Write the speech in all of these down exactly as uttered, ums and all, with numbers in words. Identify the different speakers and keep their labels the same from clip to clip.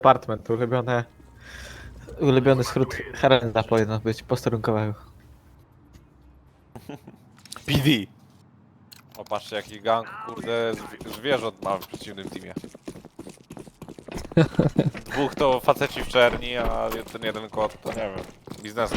Speaker 1: Apartment, ulubione... Ulubiony skrót Herenda powinno być posterunkowego.
Speaker 2: P D. O, patrzcie jaki gang, kurde, zwi zwierząt mamy w przeciwnym teamie. Dwóch to faceci w czerni, a ten jeden kot to nie wiem, biznesem.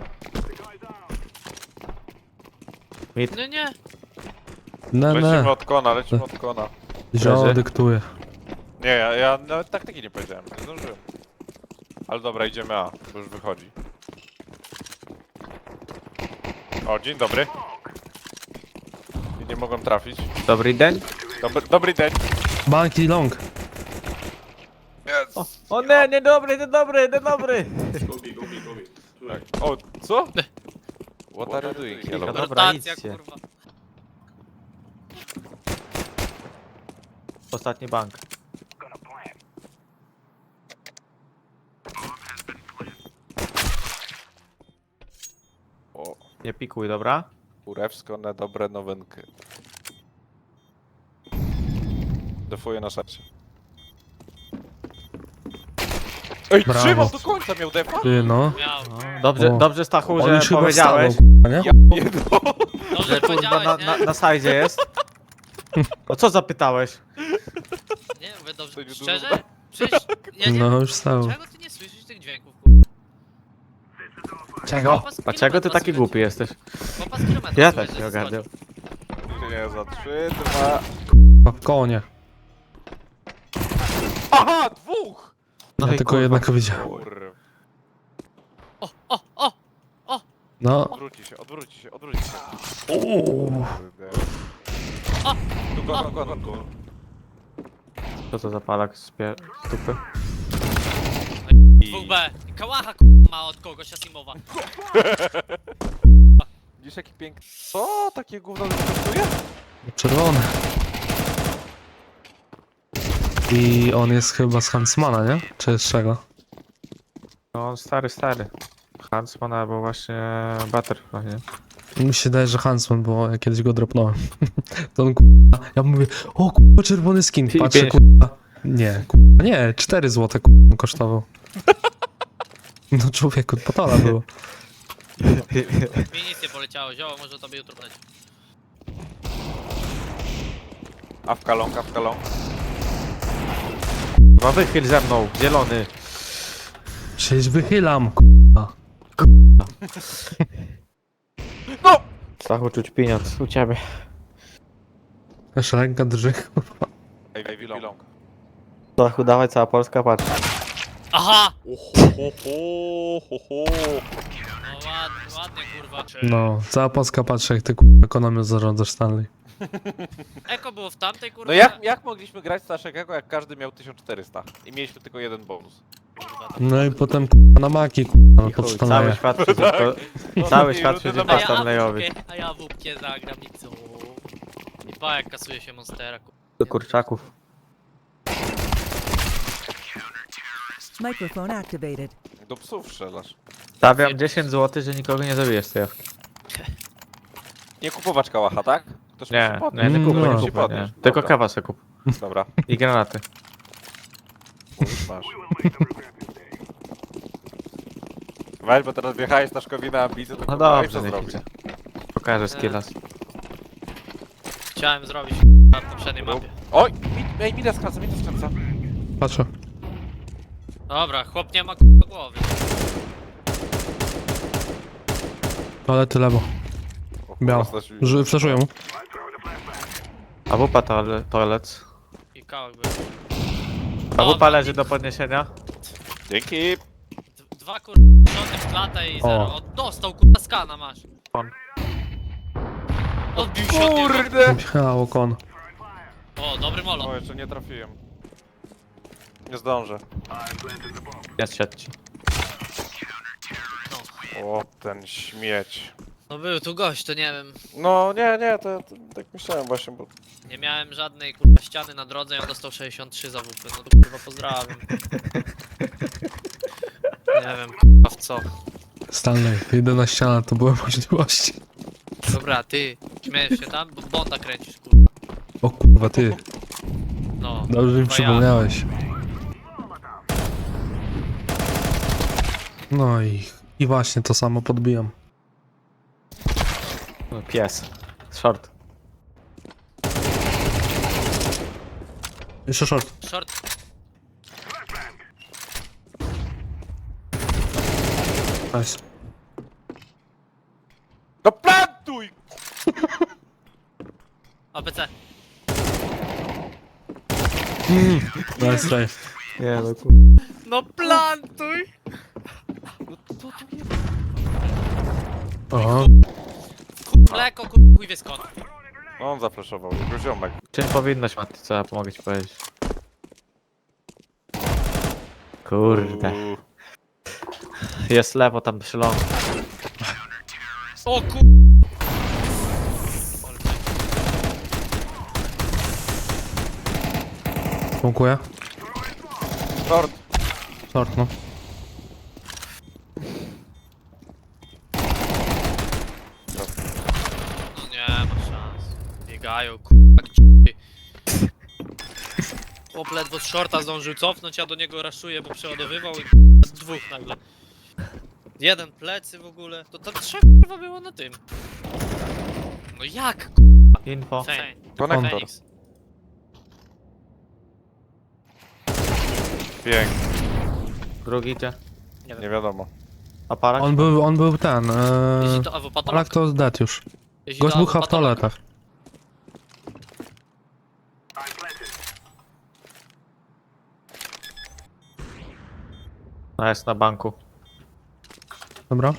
Speaker 3: No nie.
Speaker 4: Ne,
Speaker 2: Lecimy
Speaker 4: ne.
Speaker 2: od kona, lecimy od kona.
Speaker 4: Zio
Speaker 1: Leży.
Speaker 4: dyktuje.
Speaker 2: Nie, ja, ja nawet taktyki nie powiedziałem, nie zdążyłem. Ale dobra, idziemy A, bo już wychodzi. O, dzień dobry. I nie mogłem trafić.
Speaker 1: Dobry dzień.
Speaker 2: Dobry, dobry dzień.
Speaker 4: Banki long.
Speaker 2: Yes.
Speaker 1: O, o nie, niedobry, niedobry, niedobry!
Speaker 2: Tak. O, co? What are you doing, hello?
Speaker 1: Dobra,
Speaker 3: Rotacja,
Speaker 1: idźcie.
Speaker 3: kurwa.
Speaker 1: Ostatni bank.
Speaker 2: O,
Speaker 1: Nie pikuj, dobra?
Speaker 2: kurewsko na dobre nowinki. Defuję na serce. Ej,
Speaker 4: Brawo.
Speaker 2: trzymał do końca, miał defa?
Speaker 4: Ty no.
Speaker 3: Miał.
Speaker 1: No, dobrze,
Speaker 4: O.
Speaker 1: dobrze Stachu,
Speaker 4: On
Speaker 1: że
Speaker 4: już chyba
Speaker 1: powiedziałeś,
Speaker 4: wstawał, k***a, nie?
Speaker 2: Ja jedno.
Speaker 3: Dobrze
Speaker 1: że kurwa
Speaker 3: powiedziałeś,
Speaker 1: na,
Speaker 3: nie?
Speaker 1: na, na sajdzie jest. No co zapytałeś?
Speaker 3: Nie, mówię
Speaker 2: To
Speaker 3: dobrze.
Speaker 2: nie
Speaker 3: Szczerze?
Speaker 2: dużo.
Speaker 3: Przecież ja nie...
Speaker 4: No już wstał.
Speaker 3: Czego ty nie słyszysz tych dźwięków, kurwa?
Speaker 1: Czego?
Speaker 3: Chłopa z
Speaker 1: Dlaczego ty
Speaker 3: kilometra
Speaker 1: taki
Speaker 3: słychać.
Speaker 1: głupi jesteś?
Speaker 3: Chłopa z kilometra
Speaker 1: Ja
Speaker 3: słychać,
Speaker 1: też
Speaker 3: że
Speaker 1: nie ogarniam.
Speaker 3: skoczył.
Speaker 2: Nie, za trzy, dwa...
Speaker 4: W konie.
Speaker 2: Aha, dwóch!
Speaker 1: No
Speaker 4: Ja
Speaker 1: i
Speaker 4: tylko
Speaker 1: kurwa.
Speaker 4: jednego widziałem.
Speaker 2: Kurwa.
Speaker 3: O, o, o!
Speaker 4: No.
Speaker 2: Odwróci się, odwróci się, odwróci się.
Speaker 4: Uuu.
Speaker 2: Kurde.
Speaker 3: O!
Speaker 2: Tu go, go, go, go.
Speaker 1: Co to za palak z pie... stupy?
Speaker 3: dwóch B. Kałacha, kurwa, ma od kogoś, Asimowa.
Speaker 2: Widzisz jaki piękny... Co? Takie gówno kosztuje?
Speaker 4: Czerwony. I on jest chyba z Huntsmana, nie? Czy z czego?
Speaker 1: No on stary, stary. Huntsman albo właśnie Butterfly, nie?
Speaker 4: Mi się daje, że Huntsman, bo ja kiedyś go dropnąłem. To on k***a. Ja mówię, o k***a, czerwony skin.
Speaker 1: I
Speaker 4: Patrzę,
Speaker 1: pięć.
Speaker 4: k***a. Nie, k***a, nie, cztery złote k***a kosztował. No człowieku, patola było.
Speaker 3: Mi nic nie poleciało, zioło, może tobie jutro poleci.
Speaker 2: Awka long, awka long.
Speaker 1: Chyba wychyl ze mną, zielony.
Speaker 4: Przecież wychylam, k***a.
Speaker 2: No!
Speaker 1: Stachu czuć pieniądz u ciebie.
Speaker 4: Aż ręka drży.
Speaker 2: Ej, ej, long.
Speaker 1: Stachu dawaj, cała Polska patrz.
Speaker 3: Aha!
Speaker 2: Oho, ho, ho, ho, ho.
Speaker 3: No ładnie, ładnie, kurwa.
Speaker 4: No, cała Polska patrzy, jak ty k***a ekonomią zarządzasz, Stanley.
Speaker 3: Eko było w tamtej, kurwa.
Speaker 2: No jak, jak mogliśmy grać Staszekego, jak każdy miał tysiąc czterysta i mieliśmy tylko jeden bonus?
Speaker 3: Kurwa, tam.
Speaker 4: No i potem k***a na maki, k***a,
Speaker 1: I
Speaker 4: pod
Speaker 1: chuj,
Speaker 4: Stanleya.
Speaker 1: cały świat przeciwko... Cały świat
Speaker 2: i
Speaker 1: przeciwko
Speaker 3: A ja
Speaker 1: Stanleyowi.
Speaker 3: wódkę, a ja wódkę zagram i co? I pa, jak kasuje się Monstera, kurwa.
Speaker 1: Do kurczaków.
Speaker 5: Microphone activated.
Speaker 2: Do psów strzelasz.
Speaker 1: Stawiam dziesięć złotych, że nikogo nie zabijesz z tej jawki.
Speaker 2: Nie kupować kałacha, tak? Ktoś
Speaker 1: Nie,
Speaker 2: musi podnieść.
Speaker 1: nie, nie kupuj,
Speaker 4: No.
Speaker 1: nie
Speaker 2: Musi
Speaker 1: kupuj, nie.
Speaker 2: podnieść.
Speaker 1: Tylko
Speaker 2: Dobra,
Speaker 1: kawa se kup.
Speaker 2: Dobra.
Speaker 1: I granaty.
Speaker 2: Mówisz, masz. Weź, bo teraz wjechałeś Staszkowi na ambicję, to
Speaker 1: No
Speaker 2: kurwa, i
Speaker 1: dobrze,
Speaker 2: co
Speaker 1: niech
Speaker 2: zrobić?
Speaker 1: idzie. Pokażę skillas.
Speaker 3: Chciałem zrobić na poprzedniej mapie.
Speaker 2: Oj! Mi, ej, mi skręca, mi skręca.
Speaker 4: Patrzę.
Speaker 3: Dobra, chłop nie ma kurwa głowy.
Speaker 4: Toalety lewo.
Speaker 2: O, kurwa,
Speaker 4: Biał.
Speaker 2: Stasiu.
Speaker 4: Ż- Flaszuję mu.
Speaker 1: A wupa toale- toilet.
Speaker 3: I kałak był.
Speaker 1: A
Speaker 3: O,
Speaker 1: wupa leży do podniesienia.
Speaker 2: Dzięki!
Speaker 3: D- Dwa kurwa rządy w klatę i zero.
Speaker 4: O.
Speaker 3: O, dostał kurwa skana masz.
Speaker 1: On.
Speaker 3: Odbił się od niego.
Speaker 2: Kurde!
Speaker 4: Michało kon.
Speaker 3: O, dobry molo.
Speaker 2: O, jeszcze nie trafiłem. Nie zdążę.
Speaker 1: Jest siedź.
Speaker 2: O, ten śmieć.
Speaker 3: No był tu gość, to nie wiem.
Speaker 2: No, nie, nie, to, to tak myślałem właśnie, bo...
Speaker 3: Nie miałem żadnej kurwa ściany na drodze i on dostał sześćdziesiąt trzy za wupy. No to kurwa pozdrawiam. Nie wiem kurwa w co.
Speaker 4: Stanley, jedyna ściana to były możliwości.
Speaker 3: Dobra, ty, śmiejesz się tam? Bo Bonda kręcisz kurwa.
Speaker 4: O kurwa, ty.
Speaker 3: No.
Speaker 4: Dobrze mi
Speaker 3: kurwa ja.
Speaker 4: przypomniałeś. No i, i właśnie to samo podbijam.
Speaker 1: No, pies. Short.
Speaker 4: Jeszcze short.
Speaker 3: Short.
Speaker 4: Nice.
Speaker 2: No plantuj!
Speaker 3: A B C.
Speaker 4: Mm. Nice try.
Speaker 1: Nie no kur...
Speaker 3: No plantuj!
Speaker 4: Aha.
Speaker 3: Mleko, kur... chuj wie skąd.
Speaker 2: No on zaflaszował, jego ziomek.
Speaker 1: Czym powinnoś, Mati, co ja pomogę ci powiedzieć? Kurde.
Speaker 2: Uuu.
Speaker 1: Jest lewo tam przy lądu.
Speaker 3: O kur...
Speaker 4: Smokuję.
Speaker 2: Short.
Speaker 4: Short, no.
Speaker 3: No nie ma szans. Biegają, kurwa, g***y. Chłop ledwo z shorta zdążył cofnąć, ja do niego raszuję, bo przeładowywał i k***a, z dwóch nagle. Jeden plecy w ogóle. To tam trzech kurwa było na tym. No jak?
Speaker 1: Info.
Speaker 3: Fen-
Speaker 2: Konektor.
Speaker 3: Fenix.
Speaker 2: Pięknie.
Speaker 1: Drugi idzie.
Speaker 3: Nie wiem.
Speaker 2: Nie wiadomo.
Speaker 1: Aparat?
Speaker 4: On był, on był ten.
Speaker 3: Jeśli
Speaker 4: Ee,
Speaker 3: to A W patolog.
Speaker 4: Polak to dead już.
Speaker 3: Jeśli
Speaker 4: Gość
Speaker 3: to
Speaker 4: był
Speaker 3: A W
Speaker 4: chyba w
Speaker 3: patolog.
Speaker 4: toaletach.
Speaker 1: No jest na banku.
Speaker 4: Dobra.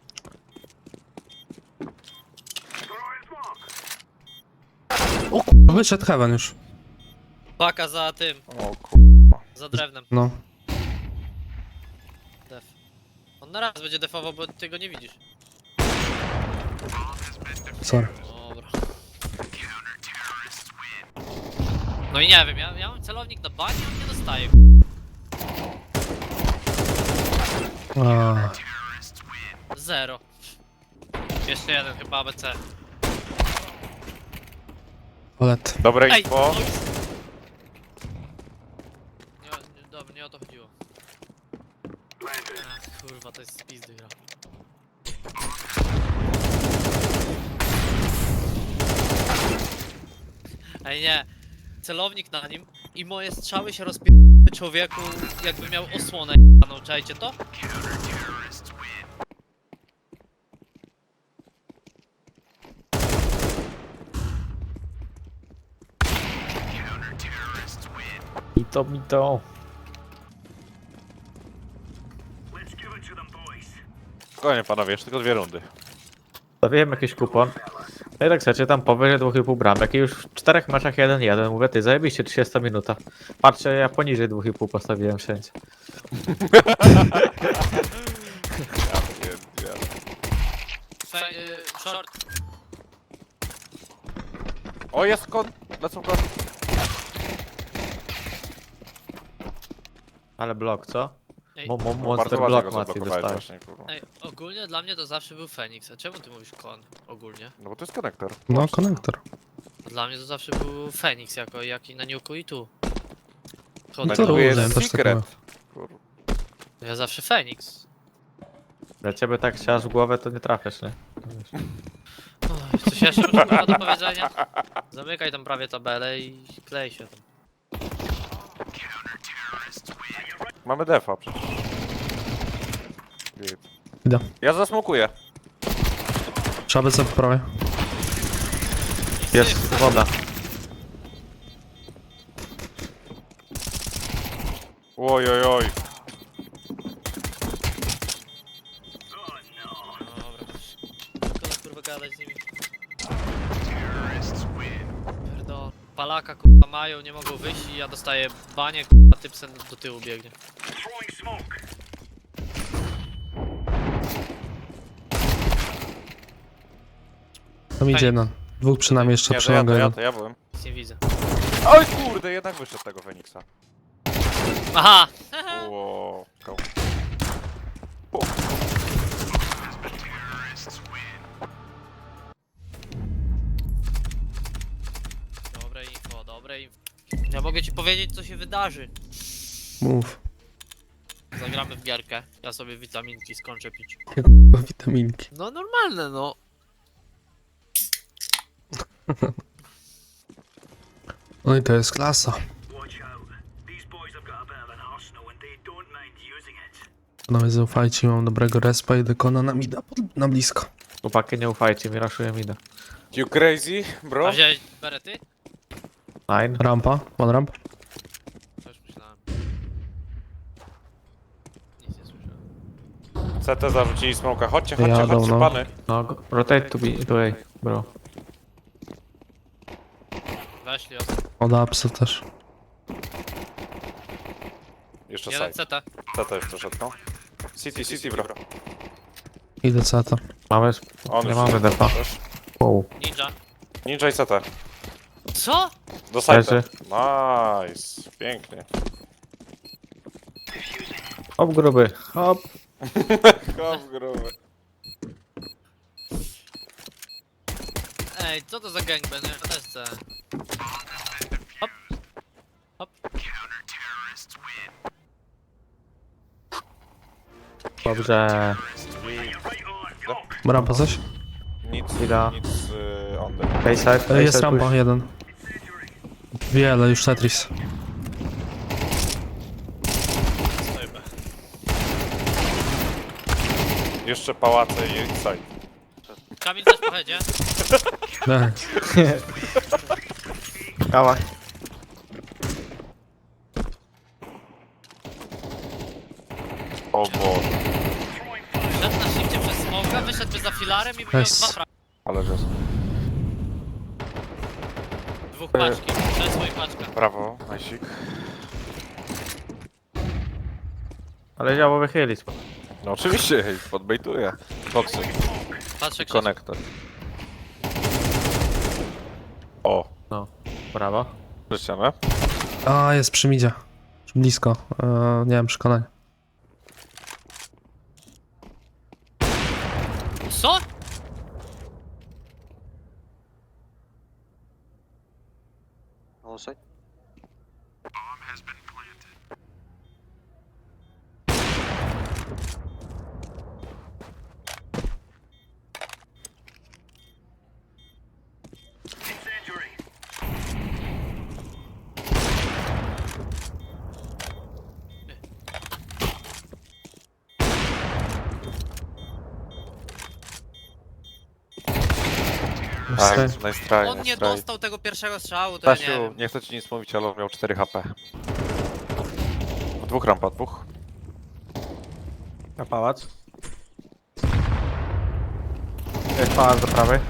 Speaker 4: O kurwa, wyszedł heaven już.
Speaker 3: Paka za tym,
Speaker 2: O kurwa.
Speaker 3: za drewnem.
Speaker 4: No.
Speaker 3: Def. On na raz będzie defował, bo ty go nie widzisz.
Speaker 4: Sorry.
Speaker 3: Dobra. No i nie wiem, ja, ja mam celownik na banie, on nie dostaje.
Speaker 4: A,
Speaker 3: Zero. Jeszcze jeden chyba A B C.
Speaker 4: toalet.
Speaker 2: Dobre
Speaker 3: Ej!
Speaker 2: info.
Speaker 3: no już. Nie, nie, dobra, nie o to chodziło. Ach, kurwa, to jest pizdy gra. Ej nie, celownik na nim i moje strzały się rozpierały człowieku, jakby miał osłonę j***aną, czajcie to?
Speaker 1: I to mi to.
Speaker 2: Spokojnie panowie, jeszcze tylko dwie rundy.
Speaker 1: Stawiłem jakiś kupon. No i tak chcecie tam powyżej dwóch i pół bramek i już w czterech meczach jeden jeden. Mówię, ty zajebiście, trzydziesta minuta. Patrzcie, ja poniżej dwóch i pół postawiłem wszędzie.
Speaker 2: Ja pierdzielę.
Speaker 3: Fe, y, short.
Speaker 2: O jest kon... Lecą kon...
Speaker 1: Ale blok, co?
Speaker 3: Ej,
Speaker 1: Mo, mo,
Speaker 2: No,
Speaker 1: monster
Speaker 2: bardzo ładnie
Speaker 1: block
Speaker 2: go
Speaker 1: Mati
Speaker 2: zablokowałeś
Speaker 1: dostałeś.
Speaker 2: właśnie, kurwa.
Speaker 3: ej, ogólnie dla mnie to zawsze był Fenix, a czemu ty mówisz kon ogólnie?
Speaker 2: No bo to jest konektor.
Speaker 4: No, konektor.
Speaker 3: A dla mnie to zawsze był Fenix jako jak i na Niuku i tu.
Speaker 4: No
Speaker 3: Chodzę
Speaker 4: to
Speaker 3: do-
Speaker 4: różne,
Speaker 2: jest
Speaker 4: też tak
Speaker 2: secret.
Speaker 4: mówię.
Speaker 2: Kurwa.
Speaker 3: Ja zawsze Fenix.
Speaker 1: Dla ciebie tak siasz w głowę, to nie trafiasz, nie?
Speaker 3: Oj, coś jeszcze masz kurwa do powiedzenia? Zamykaj tam prawie tabelę i klej się tam.
Speaker 2: Mamy defa przecież. Git.
Speaker 4: Idę.
Speaker 2: Ja zasmokuję.
Speaker 4: Trzeba by sobie poprawię.
Speaker 1: Jest woda.
Speaker 2: Oj, oj, oj.
Speaker 3: Dobra. Szkoda kurwa gadać z nimi. Pierdol. Palaka kurwa mają, nie mogą wyjść i ja dostaję banie, kurwa typsen do tyłu biegnie.
Speaker 4: Tam idzie jeden. Dwóch przynajmniej jeszcze
Speaker 2: Nie, to
Speaker 4: przy
Speaker 2: ja, to ja,
Speaker 4: jeden.
Speaker 2: to ja byłem.
Speaker 3: Nic nie widzę.
Speaker 2: Oj kurde, jednak wyszedł tego Feniksa.
Speaker 3: Aha!
Speaker 2: Ło, koł.
Speaker 3: Dobre info, dobre info. Ja mogę ci powiedzieć co się wydarzy.
Speaker 4: Mów.
Speaker 3: Zagramy w gierkę. Ja sobie witaminki skończę pić.
Speaker 4: Witaminki.
Speaker 3: No normalne, no.
Speaker 4: No i to jest klasa. Panowie, zaufajcie, mam dobrego respa i dekona na mida, pod- na blisko.
Speaker 1: Chłopaki, nie ufajcie mi, raszuję mida.
Speaker 2: You crazy, bro?
Speaker 3: A wziąłeś berety?
Speaker 1: Nine.
Speaker 4: Rampa, one ramp.
Speaker 3: To już myślałem. Nic nie słyszałem.
Speaker 2: C T zarzucili smoka. Chodźcie, chodźcie,
Speaker 4: Jadą,
Speaker 2: chodźcie,
Speaker 4: no.
Speaker 2: pany.
Speaker 1: No, go- rotate to be, to A, bro.
Speaker 3: Weszli os.
Speaker 4: Od apsy też.
Speaker 2: Jeszcze
Speaker 3: Jeden
Speaker 2: side.
Speaker 3: C T.
Speaker 2: C T jeszcze szedł, no. City, city, bro.
Speaker 4: Idę ceta.
Speaker 1: Mamy, sp-
Speaker 2: On
Speaker 1: nie
Speaker 2: już
Speaker 1: mamy defa.
Speaker 2: też.
Speaker 1: Wow.
Speaker 3: Ninja.
Speaker 2: Ninja i C T.
Speaker 3: Co?
Speaker 2: Do side.
Speaker 1: Leży.
Speaker 2: Nice. Pięknie.
Speaker 1: Hop, gruby, hop.
Speaker 2: Hop, gruby.
Speaker 3: Ej, co to za gangbang? Ja też chcę. Hop. Hop.
Speaker 1: Dobrze.
Speaker 4: Rampa coś?
Speaker 2: Nic,
Speaker 1: Ida.
Speaker 2: nic y, on the.
Speaker 1: Bayside,
Speaker 4: E, Jest
Speaker 1: bayside
Speaker 4: rampa,
Speaker 1: push.
Speaker 4: jeden. Wiele, już Tetris.
Speaker 3: Stoję B.
Speaker 2: Jeszcze pałace i side.
Speaker 3: Kamil też pojedzie.
Speaker 4: Nie.
Speaker 1: Kała.
Speaker 2: O Boże.
Speaker 3: Szedł na shifcie przez smoka, wyszedł za filarem i miał
Speaker 4: Nice.
Speaker 3: dwa fra...
Speaker 2: Ale że.
Speaker 3: Dwóch paczki. Krzesło i paczka.
Speaker 2: Brawo, najsik.
Speaker 1: Ale działo wychylić.
Speaker 2: No oczywiście, hej, podbejtuję. Boxy
Speaker 3: Patrzę
Speaker 2: i
Speaker 3: krzesło.
Speaker 2: konektor. O,
Speaker 1: No, brawo.
Speaker 2: przyciemę.
Speaker 4: A, jest przy midzie. Blisko. E, nie wiem, przekonania.
Speaker 3: Co?
Speaker 2: Tak,
Speaker 4: Nice.
Speaker 2: nice try,
Speaker 3: On
Speaker 2: nice
Speaker 3: nie
Speaker 2: try.
Speaker 3: dostał tego pierwszego strzału, to ja nie
Speaker 2: Stasiu,
Speaker 3: wiem.
Speaker 2: nie chcę ci nic mówić, ale on miał cztery H P. Dwóch rampa, dwóch.
Speaker 1: Na pałac. Jest pałac do prawej.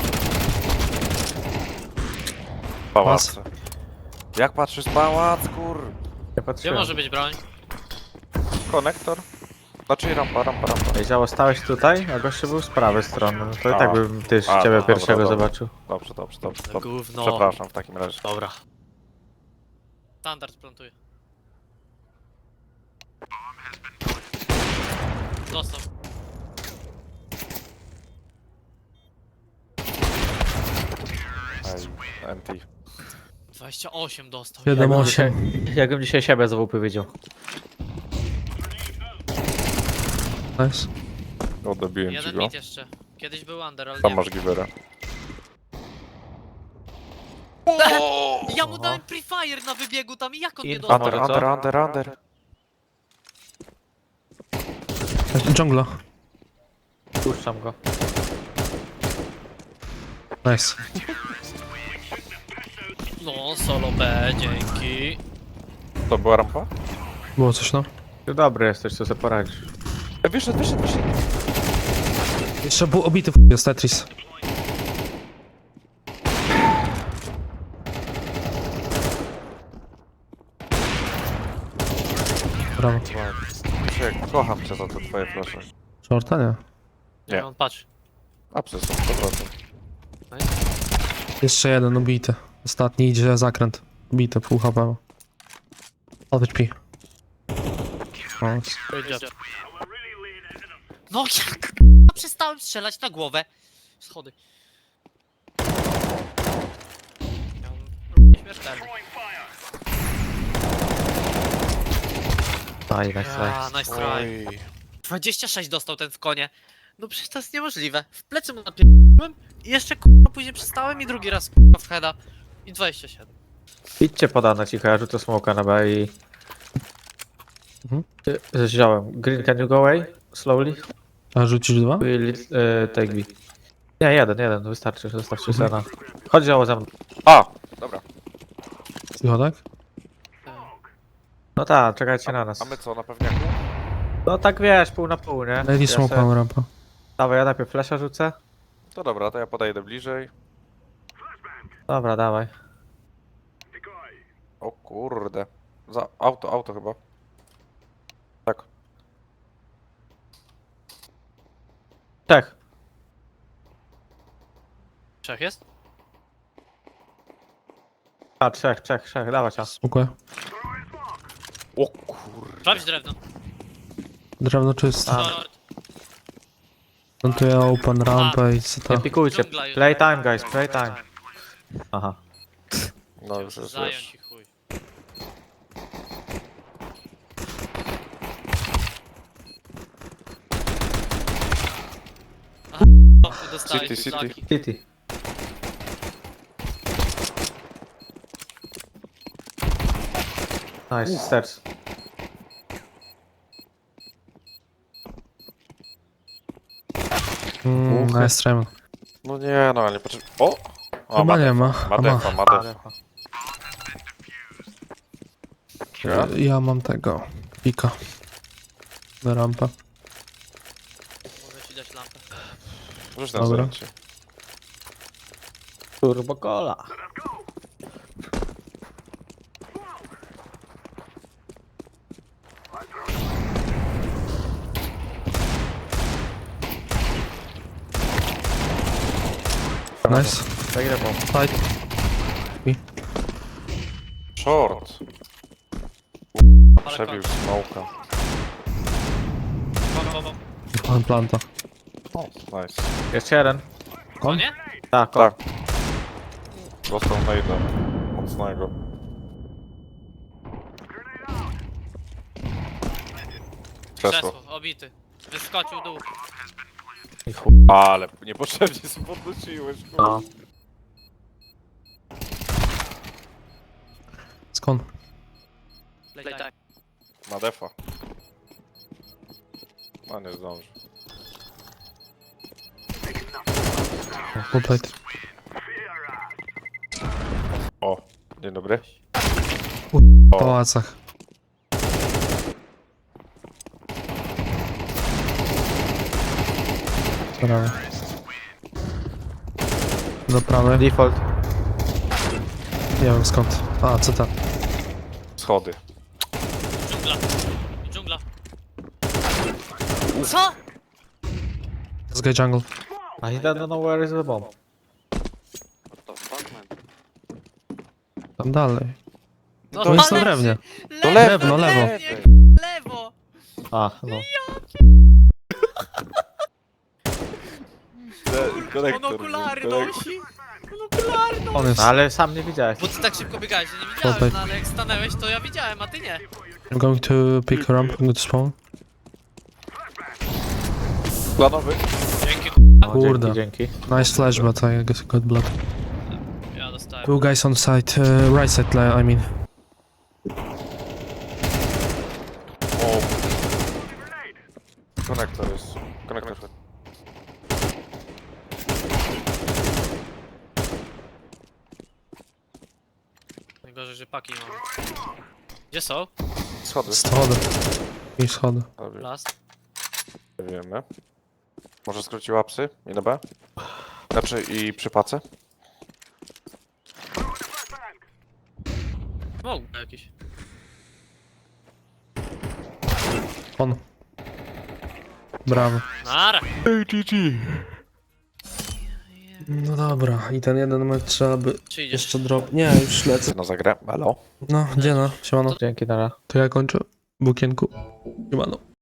Speaker 2: Pałac. Jak patrzysz pałac, kur...
Speaker 1: Nie
Speaker 3: Gdzie
Speaker 1: patrzyłem.
Speaker 3: może być broń?
Speaker 2: Konektor? Znaczy rampa, rampa, rampa.
Speaker 1: Ej, działo, stałeś tutaj, a gościu był z prawej strony. No to i
Speaker 2: A.
Speaker 1: tak bym też
Speaker 2: A,
Speaker 1: ciebie
Speaker 2: dobra,
Speaker 1: pierwszego
Speaker 2: dobra.
Speaker 1: zobaczył.
Speaker 2: Dobrze, dobrze, dobrze. dobrze.
Speaker 3: Gówno.
Speaker 2: Przepraszam w takim razie.
Speaker 3: Dobra. Standard plantuje. Dostał.
Speaker 2: Ej, N T.
Speaker 3: dwadzieścia osiem dostał.
Speaker 4: Siedem,
Speaker 1: Jakbym
Speaker 4: osiem.
Speaker 1: dzisiaj, jakbym dzisiaj siebie z W P widział.
Speaker 4: Nice.
Speaker 2: Odebiłem ci
Speaker 3: Jeden
Speaker 2: go.
Speaker 3: mit jeszcze. Kiedyś był under, ale
Speaker 2: Tam
Speaker 3: nie
Speaker 2: masz givera.
Speaker 3: Ja mu dałem pre-fire na wybiegu tam i jak on nie
Speaker 1: Info.
Speaker 3: dostał?
Speaker 2: Under,
Speaker 1: Może co?
Speaker 2: under, under, under.
Speaker 4: Dżungla.
Speaker 1: Puszczam go.
Speaker 4: Nice.
Speaker 3: No, solo B, dzięki.
Speaker 2: To była rampa?
Speaker 4: Było coś, no.
Speaker 1: Ty dobry jesteś, co sobie poradzisz.
Speaker 2: E, wyszedł, wyszedł, wyszedł.
Speaker 4: Jeszcze był obity w jest Tetris. Brawo.
Speaker 2: Krzysiek, kocham cię za te twoje flasze.
Speaker 4: Shorta, nie?
Speaker 2: Nie.
Speaker 3: On patrz.
Speaker 2: Apsy są sto procent.
Speaker 4: Jeszcze jeden ubity. Ostatni idzie zakręt. Ubity, pół H P. Odwiedź pi. Nice.
Speaker 3: Good job. No jak przestałem strzelać na głowę. Schody. Śmiertelny.
Speaker 1: Aj, nice try.
Speaker 3: A, nice try.
Speaker 2: Oj.
Speaker 3: dwadzieścia sześć dostał ten w konie. No przecież to jest niemożliwe. W plecy mu napierdoliłem i jeszcze kurwa później przestałem i drugi raz kurwa w heada. I dwadzieścia siedem.
Speaker 1: Idźcie podane cicho, ja rzucę smoka na B i...
Speaker 4: Mhm.
Speaker 1: Y, Wziąłem. Green, can you go away? Slowly?
Speaker 4: A rzucisz dwa?
Speaker 1: Will it, y, take B. Nie, jeden, jeden, wystarczy, zostawcie Sena. Chodź działo ze mną.
Speaker 2: A, dobra.
Speaker 4: Cicho, tak?
Speaker 1: No tak, czekajcie na nas.
Speaker 2: A my co, na pewniaku?
Speaker 1: No tak wiesz, pół na pół, nie?
Speaker 4: Lady
Speaker 1: Ja
Speaker 4: smoke
Speaker 1: se-
Speaker 4: mam rampa.
Speaker 1: Dawaj, ja najpierw flasha rzucę.
Speaker 2: To dobra, to ja podejdę bliżej.
Speaker 1: Dobra, dawaj.
Speaker 2: O kurde. Za auto, auto chyba. Tak.
Speaker 1: Czech.
Speaker 3: Trzech jest?
Speaker 1: A, trzech, trzech, trzech, dawaj cię.
Speaker 4: Smokuję.
Speaker 2: O kurde.
Speaker 3: Sprawdź drewno.
Speaker 4: Drewno czyste.
Speaker 1: A.
Speaker 3: Short.
Speaker 4: Plantuję open rampę i co to?
Speaker 1: Nie pikujcie.
Speaker 3: Dżungla już.
Speaker 1: Playtime, guys, playtime. Aha.
Speaker 2: No już jest,
Speaker 3: Zająć
Speaker 2: wiesz.
Speaker 3: i chuj. Aha, o, dostałeś
Speaker 2: City, city.
Speaker 3: flaki.
Speaker 1: City. Nice, stairs.
Speaker 4: Mm,
Speaker 1: Uchy.
Speaker 4: nice try.
Speaker 2: No nie, no ale nie potrzeba. O! O,
Speaker 4: Chyba nie ma.
Speaker 2: Ma
Speaker 4: A ma.
Speaker 2: defa, ma defa. Ja?
Speaker 4: Ja mam tego. Pika. Na rampę.
Speaker 3: Mogę ci dać lampę.
Speaker 2: Rzuć na
Speaker 4: Dobra.
Speaker 2: zdjęcie.
Speaker 1: Turbo cola.
Speaker 4: Nice.
Speaker 1: Zagrę bomb.
Speaker 4: Fight.
Speaker 2: Short.
Speaker 3: Ale
Speaker 2: Przebił
Speaker 3: kończ.
Speaker 2: smoka.
Speaker 3: Bom, bom, bom.
Speaker 4: Mam planta.
Speaker 2: Nice.
Speaker 1: Jeszcze jeden.
Speaker 3: O nie?
Speaker 1: Tak,
Speaker 2: Tak. Dostał nade'a. Mocnego. Krzesło.
Speaker 3: Krzesło, obity. Wyskoczył dół.
Speaker 1: i chuj.
Speaker 2: Ale niepotrzebnie się podnosiłeś, kurwa.
Speaker 1: No.
Speaker 4: Skąd?
Speaker 3: Playtime.
Speaker 2: Ma defa. No nie zdąży.
Speaker 4: Full plate.
Speaker 2: O, dzień dobry.
Speaker 4: W pałacach. Prawy. Do prawej.
Speaker 1: Default.
Speaker 4: Nie wiem skąd. A, co tam?
Speaker 2: Schody.
Speaker 3: Dżungla. Dżungla. Co?
Speaker 4: Z Guy Jungle.
Speaker 1: I don't know where is the bomb.
Speaker 4: Tam dalej.
Speaker 3: No,
Speaker 4: To jest na
Speaker 3: ale-
Speaker 4: drewnie.
Speaker 3: Lewo,
Speaker 4: lewo, lewo.
Speaker 3: drewnie, Lewo.
Speaker 1: A, no.
Speaker 3: Monokulary nosi. Monokulary nosi.
Speaker 4: On jest.
Speaker 1: Ale sam nie widziałeś.
Speaker 3: Bo ty tak szybko biegałeś, że nie
Speaker 4: Tutaj.
Speaker 3: widziałem, no ale jak stanęłeś, to ja widziałem, a ty nie.
Speaker 4: I'm going to pick her up. I'm going to spawn.
Speaker 2: Planowy.
Speaker 3: Dzięki.
Speaker 1: No,
Speaker 4: Kurde.
Speaker 1: Dzięki, dzięki.
Speaker 4: Nice flash, but I guess I got blood.
Speaker 3: Ja dostałem.
Speaker 4: Two guys on site. Uh, right side, li- I mean.
Speaker 2: O. Konektor jest. Konektor.
Speaker 3: Najgorzej, że paki mamy. Gdzie są?
Speaker 2: Schody.
Speaker 4: Schody. I schody.
Speaker 2: Dobrze,
Speaker 3: Last.
Speaker 2: wiemy. Może skróciła psy i na B? Znaczy i przy pace?
Speaker 3: Mógł jakiś.
Speaker 4: On. Brawo.
Speaker 3: Nara.
Speaker 4: No dobra, i ten jeden mecz trzeba by
Speaker 3: Czy idziesz?
Speaker 4: jeszcze drop. Nie, już lecę.
Speaker 2: No zagrę. Halo?
Speaker 4: No, gdzie no? Siemano.
Speaker 1: Dzięki, Nara.
Speaker 4: To ja kończę. W okienku. Siemano.